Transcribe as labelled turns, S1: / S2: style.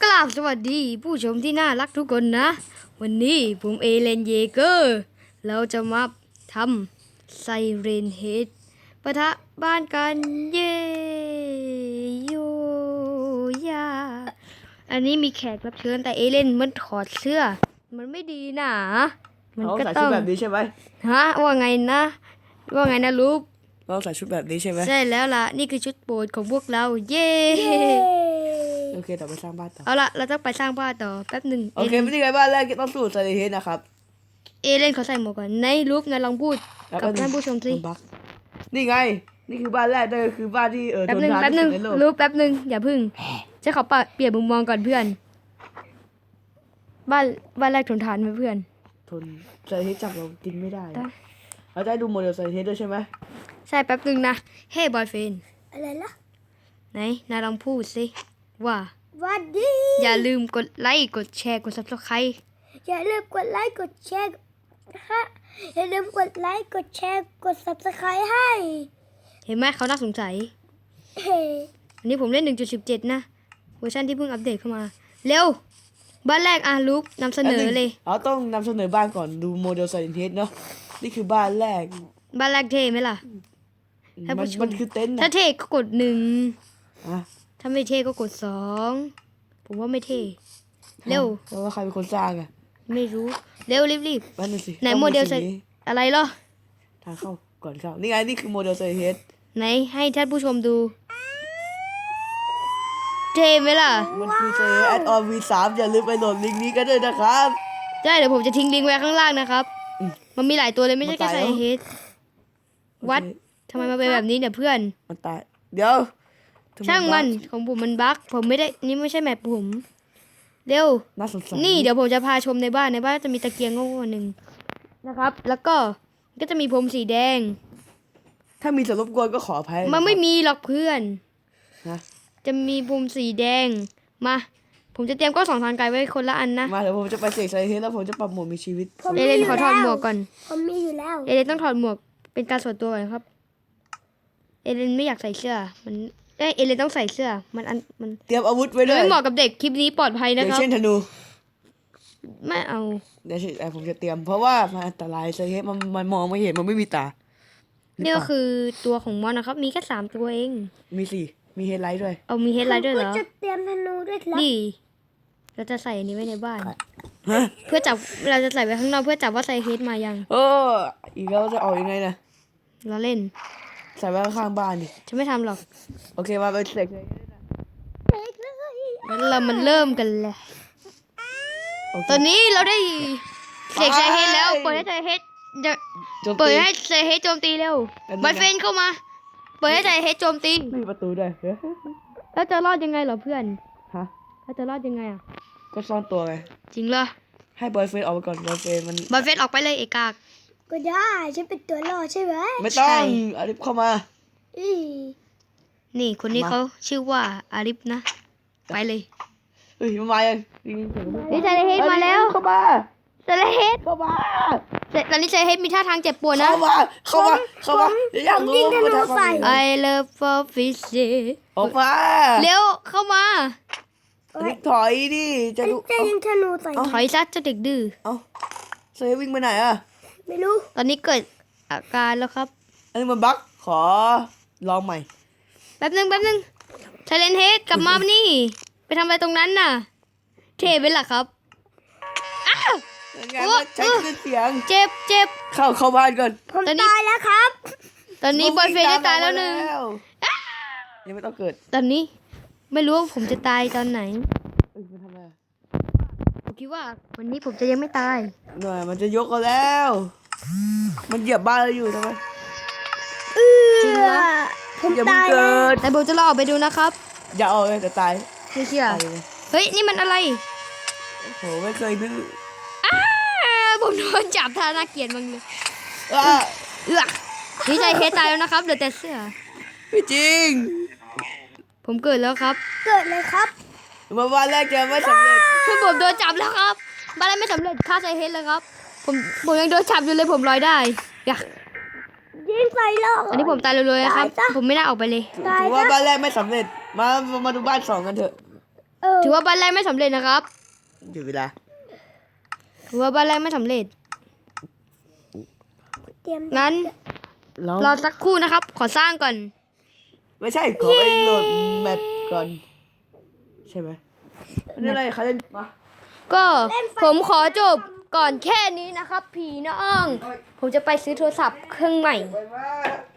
S1: กราบสวัสดีผู้ชมที่น่ารักทุกคนนะ วันนี้ผมเอเลนเยเกอร์เราจะมาทำไซเรนเฮดปะทะบ้านกันเย่โยยาอันนี้มีแขกรับเชิญแต่เอเลนมันถอดเสื้อมันไม่ดีนะมันก็
S2: ใส่ชุด
S1: ต้อง
S2: แบบนี้ใช่ไหม
S1: ฮะว่าไงนะลูก
S2: เราใส่ชุดแบบนี้ใช่ไหม
S1: ใช่แล้วล่ะนี่คือชุดโปรดของพวกเราเย่
S2: โอเคต่อไปสร้างบ้านต่อ
S1: เอาละเราต้องไปสร้างบ้านต่อแป๊บหนึ่ง
S2: โอเคไม่ได้ไงบ้านแรกต้องสู้ไซเลนเฮดนะครับ
S1: เอเลนเขาใส่หมวกก่อนในรูปนายลองพูดกับท่านผู้ชมสิ
S2: บักนี่ไงนี่คือบ้านแรกนั่นก็คือบ้านที่
S1: แป๊บ
S2: ท
S1: หนึ่ง
S2: นทาน
S1: แป๊บหนึ่ง
S2: ที่สุดในโลก
S1: รูปแป๊บหนึ่งอย่าพึ่งจะขอเปลี่ยนมุมมองก่อนเพื่อนบ้านแรกทนทานไหมเพื่อน
S2: ทนไซเลนเฮดจับเรากินไม่ได้
S1: ได้
S2: เราจะให้ดูโมเดลไซเลนเฮดด้วยใช่ไหม
S1: ใช่แป๊บหนึ่งนะเฮ้บอยเฟน
S3: อะไรล่ะ
S1: ไหนนายลองพูดสิว่า
S3: วัสดี
S1: อย่าลืมกดไลค์กดแชร์กด subscribe
S3: อย่าลืมกดไลค์กดแชร์ฮะอย่าลืมกดไลค์กดแชร์กด subscribe ให้
S1: เห็นไหมเขาน่าสงสัย
S3: เฮ้
S1: อันนี้ผมเล่น 1.17 นะเวอร์ชันที่เพิ่งอัปเดตเข้ามาเร็วบ้านแรกลูกนำเสนอเลย
S2: เราต้องนำเสนอบ้านก่อนดูโมเดลไซเลนเฮดเนาะนี่คือบ้านแรก
S1: บ้านแรกเท่ไหมล่ะ ให้ผู้ชม
S2: มันคือเต็นท์
S1: ถ้า
S2: นะ
S1: เท่ก็กด1
S2: อ่ะ
S1: ถ้าไม่เท่ก็กด2ผมว่าไม่เท่เร็ว
S2: แล้วว่าใครเป็นคนสร้างอ่ะ
S1: ไม่รู้เร็วรีบ
S2: นั่นน่ะสิ
S1: ไหนโมเดล
S2: ต้อง
S1: ใส่
S2: สิ่งนี้
S1: อะไรเหรอ
S2: ทางเข้าก่อนเข้านี่ไงนี่คือโมเดลไซเลนเฮด
S1: ไหนให้ท่านผู้ชมดูเท่ไหมล่ะ
S2: มันคือไซเลนแอดออน V3 อย่าลืมไปโหลดลิงก์นี้กันด้วยนะครับ
S1: ได้เดี๋ยวผมจะทิ้งลิงก์ไว้ข้างล่างนะครับ
S2: อืม
S1: มันมีหลายตัวเลยไม่ใช่แค่
S2: มัน
S1: ไซ
S2: ตายแล้ว
S1: เฮดวัดทำไมมาเป็นแบบนี้เนี่ยเพื่อน
S2: มันตายเดี๋ยวทำไ
S1: ช่างมัน
S2: บ้
S1: ของผมมันบั๊กผมไม่ได้นี่ไม่ใช่แมปผมเร็ว
S2: น่าสงสาร
S1: นี่เดี๋ยวผมจะพาชมในบ้านจะมีตะเกียงโง่ๆหนึ่งนะครับ แล้วก็จะมีพรมสีแดง
S2: ถ้ามีส่วนรบกวนก็ขออภัย
S1: มันไม่มีหรอกเพื่อน
S2: นะ
S1: จะมีพรมสีแดงมา ผมจะเตรียมกล้อง2 ทางไกลไว้คนละอันนะ
S2: มาเดี๋ยวผมจะไปเสกไซเทสแล้วผมจะปรับโหมดมีชีวิต
S1: เอเลนขอถอดหมวกก่อน
S3: ผมมีอยู่แล้ว
S1: เอเลนต้องถอดหมวกเป็นการส่วนตัวก่อนครับ เอเลนไม่อยากใส่เสื้อมันเอเลนต้องใส่เสื้อมัน
S2: เตรียมอาวุธไว้ด้วย
S1: ไม่เหมาะกับเด็กคลิปนี้ปลอดภัย
S2: อ
S1: นะ
S2: ย่าง
S1: ครับ
S2: เช่นธนู
S1: ไม่เอา
S2: เดี๋ยวผมจะเตรียมเพราะว่ามันอันตรายไซเทสมันมองไม่เห็นมันไม่มีตา
S1: นี่ก็คือตัวของมอนนะครับ มีแค่3 ตัวเอง
S2: มีสี่มีเฮดไลท์ด้วย
S1: เอามีเฮดไลท์ด้วยเหรอ
S3: ผมก็จะเตรียมธนูด้วยครับ
S1: นี่เราจะใส่อันนี้ไว้ในบ้าน
S2: ฮะ
S1: เพื่อจับเราจะใส่ไว้ข้างนอกเพื่อจับว่าใส่เฮดมายัง
S2: เอออีกแล้วจะออกยังไงนะ
S1: เราเล่น
S2: ใส่ไว้ข้างๆบ้านดิ
S1: ฉันไม่ทำหรอก
S2: โอเคมาไปเสกเลย
S3: เล็กเลย
S1: งั้นเรามันเริ่มกันเลย
S2: โอเค
S1: ตอนนี้เราได้เสกใส่เฮดแล้วเปิดให้ใส่เฮดจะ
S2: โจม
S1: เปิด
S2: ตี
S1: ให้ใส่เฮดโจมตีเร็ว
S2: อันนี้นะ
S1: บอยเฟนเข้ามา เปิดให้ใส่เฮดโจมตี
S2: ไม่มีประตูด้วย
S1: แล้วจะรอดยังไงเหรอเพื่อน
S2: ฮะ
S1: แล้วจะรอดยังไงอ่ะ
S2: ก็ซ่อนตัวไง
S1: จริงเหรอ
S2: ให้บอยเฟนออกไปก่อนบอยเฟนมัน
S1: บอยเฟนออกไปเลยเอกาก
S3: ก็ได้ฉันเป็นตัวรอดใช่ไหม
S2: ไม่ต้อ
S1: ใช่
S2: งอาริฟเข้ามา
S3: อี
S1: นี่คนนี้
S2: มา
S1: เขาชื่อว่าอาริฟนะ ไปเลย
S2: เฮ้ยมันมายังนี่เสียงมัน
S1: นี่ใส่เฮดมาแล้ว
S2: เข้ามา
S1: ใส่เฮด
S2: เข้ามา
S1: ตอนนี้ใส่เฮดมีท่าทางเจ็บปวดนะ
S2: เข้ามาเข้ามาอยากรู้
S3: ยิงธนูใส่
S1: I love for fish
S2: ออกมา
S1: เร็วเข้ามา
S2: อาริฟถอยดิจะดู
S3: จะยิงธนูใส่
S1: ถอยซะเจ้าเด็กดื้อ
S2: เอาเซวิ่งไปไหนอ่ะ
S3: ไม่รู้
S1: ตอนนี้เกิดอาการแล้วครับ
S2: อันนี้มันบั๊กขอลองใหม่
S1: แป๊บนึงไทเลนเฮดกลับมานี่ ไปทำอะไรตรงนั้นน่ะ เทไปล่ะครับ อ้าว
S2: ยังไงมันใช้คลื่นเสียง
S1: เจ็บ
S2: เข้าบ้านก่อน
S3: ผม
S1: ตอนนี้
S3: ตายแล้วครับ
S1: ตอนนี้บอยเฟนได้ตายแล้วหนึ่ง
S2: ยังไม่ต้องเกิด
S1: ตอนนี้ไม่รู้ว่าผมจะตายตอนไหน
S2: เอ้ยมันทำอะไรอะ
S1: ผมคิดว่าวันนี้ผมจะยังไม่ตาย
S2: หน่อยมันจะยกกันแล้ว มันเหยียบบ้านเราอยู่ทำไม
S1: จริงเหรอ
S3: ผม
S2: อย่าเพิ่ง
S3: ตาย
S2: เกิ
S3: แล้ว
S2: ด
S1: แต่ผมจะรอออกไปดูนะครับ
S2: อย่าออกเลยแต่ตาย
S1: ไม่เชื่อ
S2: ตายเลย
S1: เฮ้ยนี่มันอะไร
S2: โหไม่เคยนึก
S1: ผมโดนจับท่าน่าเกลียดมั้งเลย
S2: อ่ะ
S1: นี่ใจเฮดตายแล้วนะครับเหลือแต่เสื้อ
S2: ไม่จริง
S1: ผมเกิดแล้วครับ
S3: เกิดเลยครับ
S2: มาบ้านแรกจะไม่สำเร็จ
S1: ผมโดนจับแล้วครับบ้านแรกไม่สำเร็จฆ่าใจเฮดเลยครับ ผมยังโดนจับอยู่เลยผมลอยได้อย่า
S3: ยิงใส่โลก
S1: อันนี้ผมตายเลยๆครับ
S3: ตายซะ
S1: ผมไม่น่าออกไปเลย
S3: ตาย
S2: ถือว่า
S3: ซะ
S2: บ้านแรกไม่สำเร็จมาดูบ้านสองกันเถอะ
S1: ถือว่าบ้านแรกไม่สำเร็จนะครับ
S2: หยุดเวลา
S1: ถือว่าบ้านแรกไม่สำเร็จ
S3: เตรียม
S1: งั้น
S2: แล้ว
S1: รอสักครู่นะครับ ขอสร้างก่อน
S2: ไม่ใช่ขอไปโหลดแมปก่อน ใช่ไหมนี่อะไรเขาเล่นมา
S1: ก็ผมขอจบก่อนแค่นี้นะครับ พี่น้อง ผมจะไปซื้อโทรศัพท์เครื่องใหม่
S2: ไปมา